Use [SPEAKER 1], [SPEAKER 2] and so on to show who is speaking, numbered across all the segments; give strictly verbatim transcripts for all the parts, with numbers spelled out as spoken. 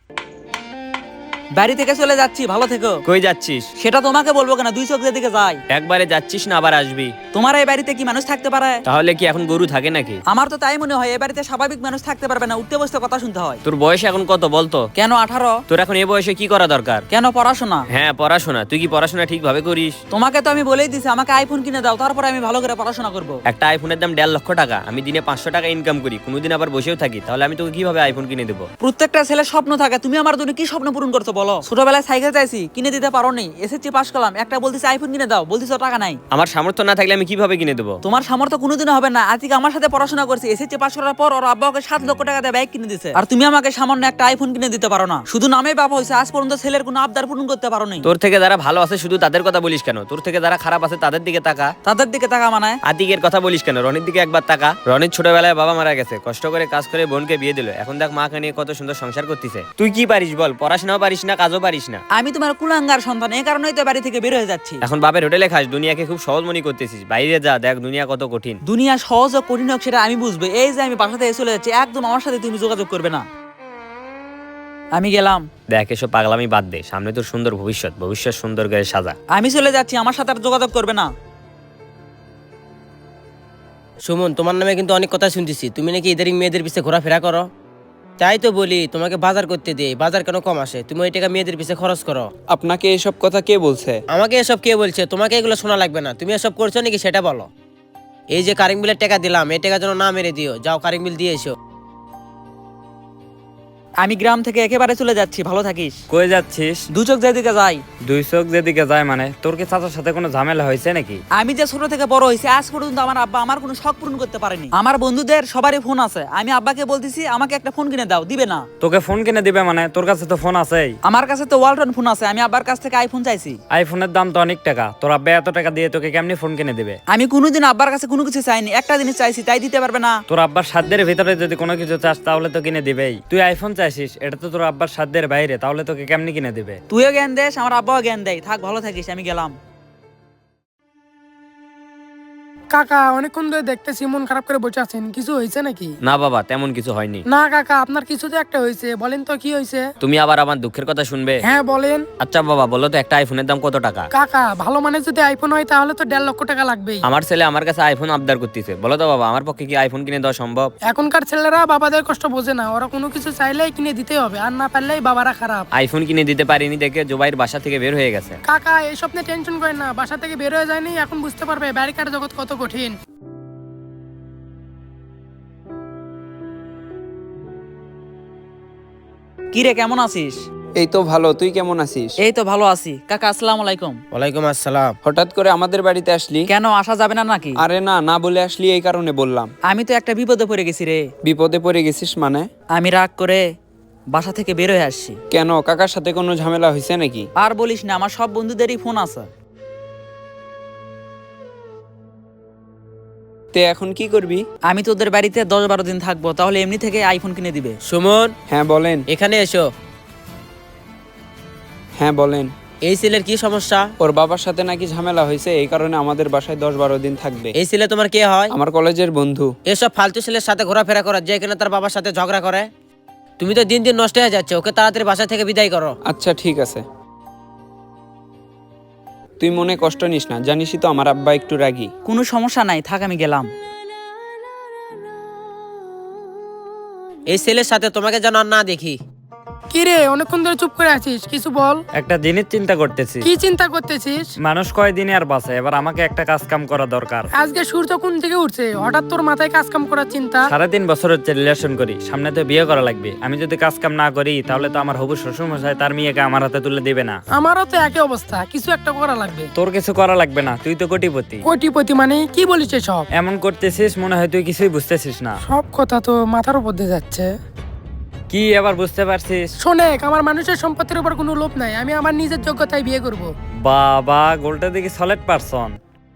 [SPEAKER 1] বাড়ি থেকে চলে যাচ্ছি, ভালো থেকো।
[SPEAKER 2] কই যাচ্ছিস?
[SPEAKER 1] সেটা তোমাকে বলবো কেন, দুই চোখ যেদিকে যাই।
[SPEAKER 2] একবারে যাচ্ছিস না আবার আসবি?
[SPEAKER 1] তোমার এই বাড়িতে কি মানুষ থাকতে পারে?
[SPEAKER 2] তাহলে কি এখন গরু থাকে নাকি?
[SPEAKER 1] আমার তো তাই মনে হয়, এই বাড়িতে স্বাভাবিক মানুষ থাকতে পারবে না, উঠতে বসতে কথা শুনতে হয়।
[SPEAKER 2] তোর বয়স এখন কত বলতো?
[SPEAKER 1] কেন আঠারো?
[SPEAKER 2] তোর এখন এই বয়সে কি করা দরকার?
[SPEAKER 1] কেন পড়াশোনা?
[SPEAKER 2] হ্যাঁ পড়াশোনা। তুই কি পড়াশোনা ঠিকভাবে করিস?
[SPEAKER 1] তোমাকে তো আমি বলেই দিছি আমাকে আইফোন কিনে দাও, তারপরে আমি ভালো করে পড়াশোনা করব।
[SPEAKER 2] একটা আইফোনের দাম দেড় লক্ষ টাকা। আমি দিনে পাঁচশো টাকা ইনকাম করি, কোনোদিন আবার বসেও থাকি, তাহলে আমি তোকে কিভাবে আইফোন কিনে দেবো?
[SPEAKER 1] প্রত্যেকটা ছেলের স্বপ্ন থাকে, তুমি আমার জন্য কি স্বপ্ন পূরণ করছো বলো? ছোটবেলায় সাইকেল চাইছি, কিনে দিতে পারো নি। এসএসসি পাস করলাম, একটা বলতেছি আইফোন কিনে দাও, বলতেছো টাকা নাই।
[SPEAKER 2] আমার সামর্থ্য না থাকলে আমি কিভাবে কিনে দেবো?
[SPEAKER 1] তোমার সামর্থ্য কোনোদিনও হবে না। আজকে আমার সাথে পড়াশোনা করছি, এসএসসি পাস করার পর ওর আব্বা ওকে সাত লক্ষ টাকা দিয়ে বাইক কিনে দিছে, আর তুমি আমাকে সামান্য একটা আইফোন কিনে দিতে পারো না। শুধু নামে বাবা হয়েছে, আজ পর্যন্ত ছেলের কোনো আবদার পূরণ করতে পারো নি।
[SPEAKER 2] তোর থেকে যারা ভালো আছে শুধু তাদের কথা বলিস কেন? তোর থেকে যারা খারাপ আছে তাদের দিকে তাকা।
[SPEAKER 1] তাদের দিকে টাকা মানায়?
[SPEAKER 2] আতিকের কথা বলিস কেন? রনির দিকে একবার তাকা। রনির ছোটবেলায় বাবা মারা গেছে, কষ্ট করে কাজ করে বোনকে বিয়ে দিল, এখন দেখ মাকে নিয়ে কত সুন্দর সংসার করতেছে। তুই কি পারিস বল? পড়াশোনাও পারিস না, কাজও পারিস না।
[SPEAKER 1] আমি তোমার কুলাঙ্গার সন্তান, এই কারণেই তো বাড়ি থেকে বের হয়ে যাচ্ছি।
[SPEAKER 2] এখন বাপের হোটেলে খাস, দুনিয়াকে খুব সহজ মনে করতেছিস। বাইরে যা, দেখ দুনিয়া কত কঠিন।
[SPEAKER 1] দুনিয়া সহজ ও কঠিন হোক সেটা আমি বুঝবো। এই যে আমি বাসা থেকে চলে যাচ্ছি, একদম আমার সাথে তুমি যোগাযোগ করবে না। আমি গেলাম।
[SPEAKER 2] দেখ এসব পাগলামি বাদ দে, সামনে তোর সুন্দর ভবিষ্যৎ, ভবিষ্যৎ সুন্দর করে সাজা।
[SPEAKER 1] আমি চলে যাচ্ছি, আমার সাথে আর যোগাযোগ করবে না।
[SPEAKER 3] সুমন, তোমার নামে কিন্তু অনেক কথা শুনতেছি, তুমি নাকি ইদারিং মেয়েদের পিছে ঘোরাফেরা করো। তাই তো বলি তোমাকে বাজার করতে দে, বাজার কেন কম আসে? তুমি ওই টাকা মেয়েদের পিছে খরচ করো।
[SPEAKER 4] আপনাকে এসব কথা কে বলছে?
[SPEAKER 3] আমাকে এসব কে বলছে? তোমাকে এগুলো শোনা লাগবে না, তুমি এসব করছো নাকি সেটা বলো। এই যে কারেন্ট বিলের টাকা দিলাম, এই টাকা যেন না মেরে দিও। যাও কারেন্ট বিল দিয়ে এসো।
[SPEAKER 1] আমি গ্রাম থেকে একেবারে চলে যাচ্ছি, ভালো থাকিস।
[SPEAKER 5] কই যাচ্ছিস?
[SPEAKER 1] দু চোখ যেদিকে যাই।
[SPEAKER 5] দুই চোখ যেদিকে যায় মানে? তোর কি চাচার সাথে কোনো ঝামেলা হয়েছে নাকি?
[SPEAKER 1] আমি যে ছোট থেকে বড় হয়েছি, আজ পর্যন্ত আমার আব্বা আমার কোনো শখ পূরণ করতে পারেনি। আমার বন্ধুদের সবারই ফোন আছে, আমি আব্বাকে বলতেছি আমাকে একটা ফোন কিনে দাও, দিবে না।
[SPEAKER 5] তোকে ফোন কিনে দিবে মানে? তোর কাছে তো ফোন আছেই।
[SPEAKER 1] আমার কাছে তো ওয়ালটন ফোন আছে, আমি আব্বার কাছ থেকে আইফোন চাইছি।
[SPEAKER 5] আইফোনের দাম তো অনেক টাকা, তোর আব্বা এত টাকা দিয়ে তোকে কেমনি ফোন কিনে দিবে?
[SPEAKER 1] আমি কোনোদিন আব্বার কাছে কোনো কিছু চাইনি, একটা জিনিস চাইছি, তাই দিতে পারবে না।
[SPEAKER 5] তোর আব্বার সাধ্যের ভিতরে যদি কোনো কিছু চাস তাহলে তো কিনে দিবেই। তুই আইফোন চাইছিস, এটা তো তোর আব্বার সাধ্যের বাইরে, তাহলে তোকে কেমনি কিনে দিবে?
[SPEAKER 1] তুইও জ্ঞান দেস, আমার আব্বাও জ্ঞান দেয়। থাক, ভালো থাকিস, আমি গেলাম।
[SPEAKER 6] কাকা, অনেকক্ষণ ধরে দেখতেছি মন খারাপ করে বসে আছেন, কিছু হয়েছে নাকি?
[SPEAKER 2] না বাবা, তেমন কিছু হয়নি।
[SPEAKER 6] না কাকা, আপনার কিছু তো একটা হয়েছে, বলেন তো কি হয়েছে?
[SPEAKER 2] তুমি আবার আমার দুঃখের কথা শুনবে?
[SPEAKER 6] হ্যাঁ বলেন।
[SPEAKER 2] আচ্ছা বাবা বলো তো, একটা আইফোনের দাম কত টাকা?
[SPEAKER 6] কাকা, ভালো মানে যদি আইফোন হয় তাহলে তো দেড় লক্ষ টাকা লাগবেই।
[SPEAKER 2] আমার ছেলে আমার কাছে আইফোন আবদার করতেছে, বলো তো বাবা আমার পক্ষে কি আইফোন কিনে দেওয়া সম্ভব?
[SPEAKER 6] এখনকার ছেলেরা বাবাদের কষ্ট বোঝে না, ওরা কোনো কিছু চাইলেই কিনে দিতে হবে, আর না পারলেই বাবারা খারাপ।
[SPEAKER 2] আইফোন কিনে দিতে পারিনি দেখে জুবাইর বাসা থেকে বের হয়ে গেছে।
[SPEAKER 6] কাকা, এই স্বপ্নে টেনশন করেন না, বাসা থেকে বের হয়ে যায়নি, এখন বুঝতে পারবে ব্যারিকার জগৎ কত কঠিন।
[SPEAKER 1] কি রে, কেমন আছিস?
[SPEAKER 4] এই তো ভালো, তুই কেমন আছিস?
[SPEAKER 1] এই তো ভালো আছি। কাকা আসসালামু আলাইকুম।
[SPEAKER 3] ওয়ালাইকুম আসসালাম।
[SPEAKER 4] হঠাৎ করে আমাদের বাড়িতে আসলি?
[SPEAKER 1] কেন, আসা যাবে না নাকি?
[SPEAKER 4] আরে না, না বলে আসলি এই কারণে বললাম।
[SPEAKER 1] আমি তো একটা বিপদে পড়ে গেছি রে।
[SPEAKER 4] বিপদে পড়ে গেছিস মানে?
[SPEAKER 1] আমি রাগ করে বাসা থেকে বের হয়ে আসছি।
[SPEAKER 4] কেন, কাকার সাথে কোনো ঝামেলা হয়েছে নাকি?
[SPEAKER 1] আর বলিস না, আমার সব বন্ধুদেরই ফোন আছে।
[SPEAKER 4] তে এখন কি করবি?
[SPEAKER 1] আমি তোদের বাড়িতে দশ বারো দিন থাকবো, তাহলে এমনি থেকে আইফোন কিনে দিবে।
[SPEAKER 3] সুমন,
[SPEAKER 4] হ্যাঁ বলেন।
[SPEAKER 3] এখানে এসো।
[SPEAKER 4] হ্যাঁ বলেন।
[SPEAKER 3] এই ছেলের কি সমস্যা?
[SPEAKER 4] ওর বাবার সাথে নাকি ঝামেলা হয়েছে, এই কারণে আমাদের বাসায় দশ বারো দিন থাকবে।
[SPEAKER 3] এই ছেলে তোমার কে হয়?
[SPEAKER 4] আমার কলেজের বন্ধু।
[SPEAKER 3] এসব ফালতু ছেলের সাথে ঘোরাফেরা করা, যে কিনা তার বাবার সাথে ঝগড়া করে। তুমি তো দিন দিন নষ্ট হয়ে যাচ্ছে, ওকে তাড়াতাড়ি বাসা থেকে বিদায় করো।
[SPEAKER 4] আচ্ছা ঠিক আছে, তুই মনে কষ্ট নিস না, জানিসই তো আমার আব্বা একটু রাগী।
[SPEAKER 1] কোনো সমস্যা নাই, থাক আমি গেলাম।
[SPEAKER 3] এই ছেলের সাথে তোমাকে যেন আর না দেখি।
[SPEAKER 6] কি রে, অনেকক্ষণ ধরে চুপ করে আছিস, কিছু বল।
[SPEAKER 5] একটা জিনিস চিন্তা করতেছি।
[SPEAKER 6] কি চিন্তা করতেছিস?
[SPEAKER 5] মানুষ কয়দিনে আর বাঁচে, এবার আমাকে একটা কাজ কাম করা দরকার।
[SPEAKER 6] আজকে সূর্য কোন থেকে উঠছে, হঠাৎ তোর মাথায় কাজ কাম করার চিন্তা?
[SPEAKER 5] সাড়ে তিন বছর হচ্ছে রিলেশন করি, সামনে তো বিয়ে করা লাগবে। আমি যদি কাজ কাম না করি তাহলে তো আমার হবু শ্বশুর মশাই তার মেয়েকে আমার হাতে তুলে দিবে না।
[SPEAKER 6] আমারও তো একই অবস্থা, কিছু একটা করা লাগবে।
[SPEAKER 5] তোর কিছু করা লাগবে না, তুই তো কোটিপতি।
[SPEAKER 6] কোটিপতি মানে কি বলিস সব?
[SPEAKER 5] এমন করতেছিস মনে হয় তুই কিছুই বুঝতেছিস না।
[SPEAKER 6] সব কথা তো মাথার উপর দিয়ে যাচ্ছে।
[SPEAKER 5] কি এবার বুঝতে পারছিস?
[SPEAKER 6] শোনেক, আমার মানুষের সম্পত্তির উপর কোনো লোভ নাই, আমি আমার নিজের যোগ্যতায় বিয়ে করব।
[SPEAKER 5] বাবা, গোলটা দেখি সলিড পারসন।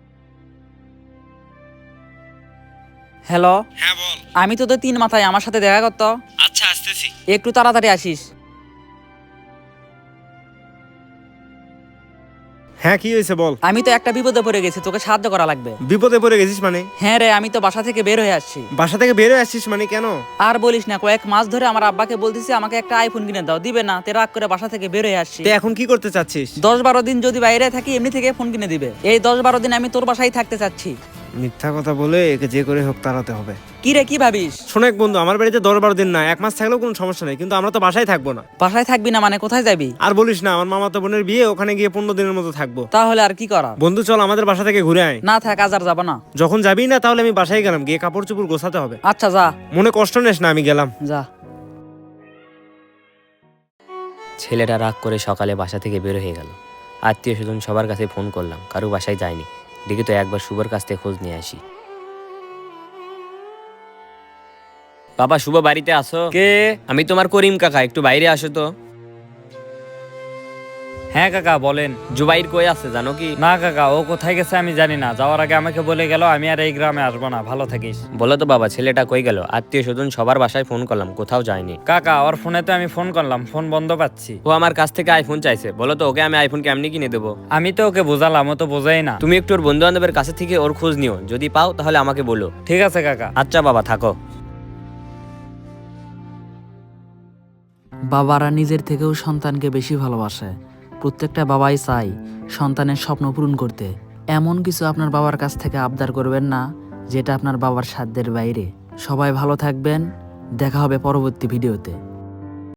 [SPEAKER 1] হ্যালো,
[SPEAKER 4] হ্যাঁ বল।
[SPEAKER 1] আমি তোদের তিন মাথায়, আমার সাথে দেখা করতো।
[SPEAKER 4] আচ্ছা আসতেছি।
[SPEAKER 1] একটু তাড়াতাড়ি আসিস।
[SPEAKER 7] হ্যাঁ কি হয়েছে বল।
[SPEAKER 1] আমি তো একটা বিপদে পড়ে গেছি, তোকে সাহায্য করা লাগবে।
[SPEAKER 7] বিপদে পড়ে গেছিস মানে?
[SPEAKER 1] হ্যাঁ রে, আমি তো বাসা থেকে বের হয়ে আসছি।
[SPEAKER 7] বাসা থেকে বের হয়ে আসছিস মানে কেন?
[SPEAKER 1] আর বলিস না, কয়েক মাস ধরে আমার আব্বাকে বলতেছি আমাকে একটা আইফোন কিনে দাও, দিবে না। তে রাগ করে বাসা থেকে বের হয়ে আসছি।
[SPEAKER 7] তুই এখন কি করতে চাচ্ছিস?
[SPEAKER 1] দশ বারো দিন যদি বাইরে থাকি এমনি থেকে ফোন কিনে দিবে। এই দশ বারো দিন আমি তোর বাসায় থাকতে চাচ্ছি।
[SPEAKER 7] মিথ্যা কথা বলে একে যে করে হোক তাড়াতে হবে।
[SPEAKER 1] কি রে, কি ভাবিস?
[SPEAKER 7] শোনেক বন্ধু, আমার বাড়িতে দশ বারো দিন না, এক মাস থাকলেও কোনো সমস্যা নেই, কিন্তু আমরা তো বাসায় থাকবো না।
[SPEAKER 1] বাসায় থাকবি না মানে কোথায় যাবি?
[SPEAKER 7] আর বলিস না, আমার মামাতো বোনের বিয়ে, ওখানে গিয়ে পনেরো দিনের মতো থাকবো।
[SPEAKER 1] তাহলে আর কি করা?
[SPEAKER 7] বন্ধু চল আমাদের বাসা থেকে ঘুরে আয়।
[SPEAKER 1] না থাক, আজ আর যাবো না।
[SPEAKER 7] যখন যাবি না তাহলে আমি বাসায় গেলাম, গিয়ে কাপড় চোপড় গোছাতে হবে।
[SPEAKER 1] আচ্ছা যা।
[SPEAKER 7] মনে কষ্ট নেস না, আমি গেলাম।
[SPEAKER 1] যা।
[SPEAKER 2] ছেলেটা রাগ করে সকালে বাসা থেকে বের হয়ে গেল। আত্মীয় স্বজন সবার কাছে ফোন করলাম, কারো বাসায় যায়নি। দেখি তো একবার শুভর কাছ থেকে খোঁজ নিয়ে আসি। বাবা শুভ বাড়িতে আসো?
[SPEAKER 5] কে?
[SPEAKER 2] আমি তোমার করিম কাকা, একটু বাইরে আসো তো।
[SPEAKER 5] হ্যাঁ কাকা বলেন।
[SPEAKER 2] জুবাইর কই আছে জানো কি?
[SPEAKER 5] না কাকা, ও কোথায় গেছে আমি জানি না। যাওয়ার আগে আমাকে বলে গেল আমি আর এই গ্রামে আসবো না। ভালো থাকিস।
[SPEAKER 2] বলো তো বাবা, ছেলেটা কই গেল? আত্মীয় স্বজন সবার বাসায় ফোন করলাম, কোথাও যায়নি।
[SPEAKER 5] কাকা ওর ফোনে তো আমি ফোন করলাম, ফোন বন্ধ পাচ্ছি।
[SPEAKER 2] ও আমার কাছ থেকে আইফোন চাইছে। বলো তো ওকে আমি আইফোন কেমনি কিনে দেবো?
[SPEAKER 5] আমি তো ওকে বোঝালাম, ও তো বোঝাই না।
[SPEAKER 2] তুমি একটু ওর বন্ধু বান্ধবের কাছে থেকে ওর খোঁজ নিও, যদি পাও তাহলে আমাকে বলো।
[SPEAKER 5] ঠিক আছে কাকা।
[SPEAKER 2] আচ্ছা বাবা থাকো।
[SPEAKER 1] বাবারা নিজের থেকেও সন্তানকে বেশি ভালোবাসে। প্রত্যেকটা বাবাই চাই সন্তানের স্বপ্ন পূরণ করতে। এমন কিছু আপনার বাবার কাছ থেকে আবদার করবেন না যেটা আপনার বাবার সাধ্যের বাইরে। সবাই ভালো থাকবেন, দেখা হবে পরবর্তী ভিডিওতে।